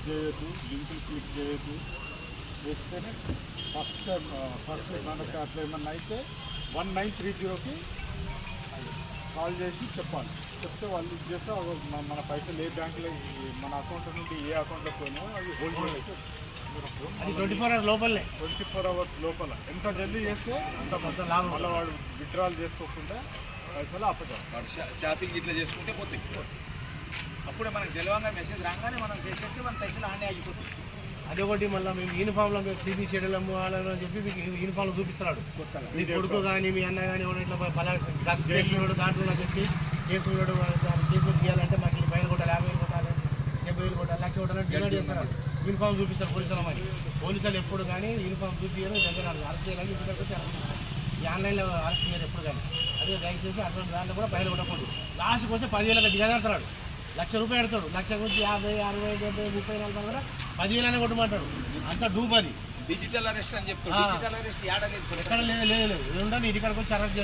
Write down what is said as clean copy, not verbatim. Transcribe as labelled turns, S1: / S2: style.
S1: చేయొద్దు, లింకులు క్లిక్ చేయొద్దు. చేస్తేనే ఫస్ట్ మనకు అట్లా ఏమన్నా అయితే 1930కి కాల్ చేసి చెప్పాలి. చెప్తే వాళ్ళు ఇది చేస్తే మన పైసలు ఏ బ్యాంకులో మన అకౌంట్ నుండి ఏ అకౌంట్లో పోయినాయో అది హోల్డ్ చేయొచ్చు.
S2: అది 24 hours లోపలనే,
S1: 24 hours లోపల ఎంత జల్దీ చేస్తే అంత పెద్ద లాభం. మళ్ళీ వాడు విత్డ్రాల్ చేసుకోకుండా పైసలు అప్పచెప్పాలి.
S3: షాపింగ్ ఇట్లా చేసుకుంటే పోతాయి. అప్పుడే మనకు తెలియంగా మెసేజ్ రాగానే మనం చేసేస్తే మన పైసలు ఆనే అయిపోతుంది.
S2: అది ఒకటి. మళ్ళీ మేము యూనిఫామ్లో మేము టీవీ షెడ్యూల్ అమ్మాలని చెప్పి మీకు యూనిఫామ్లో చూపిస్తున్నాడు. మీ కొడుకు కానీ మీ అన్న కానీ ఇట్లా డ్రగ్స్ చేస్తున్నాడు, దాంట్లో చెప్పి చేసుకున్నాడు, కేసులు తీయాలంటే మాకు ఇల్లు బయలు కొట్టాలి, 50,000 కొట్టాలి, 70,000 కొట్టాలి, 1,00,000 కొట్టాలని డిమాండ్ చేస్తున్నారు. యూనిఫామ్ చూపిస్తారు పోలీసులు. మరి పోలీసులు ఎప్పుడు కానీ యూనిఫామ్ చూపించారు, దగ్గర అరెస్ట్ చేయాలని ఇంటికి వచ్చి ఈ ఆన్లైన్లో అరెస్ట్ చేయరు ఎప్పుడు కానీ. అదే దయచేసి అటువంటి దాంట్లో కూడా బయలు కొట్టకూడదు. లాస్ట్కి వస్తే 10,000 దిగజారుతున్నాడు. ₹1,00,000 పెడతాడు. 1,00,000 నుంచి 50, 60, 70, 30, 40 కూడా 10,000 కొట్టమంటాడు. అంతా డూబ్ అది.
S3: డిజిటల్ అరెస్ట్ అని చెప్తాడు. డిజిటల్ అరెస్ట్
S2: ఎక్కడ లేదు. ఇది ఉండాలి, ఇక్కడికి వచ్చి అరెస్ట్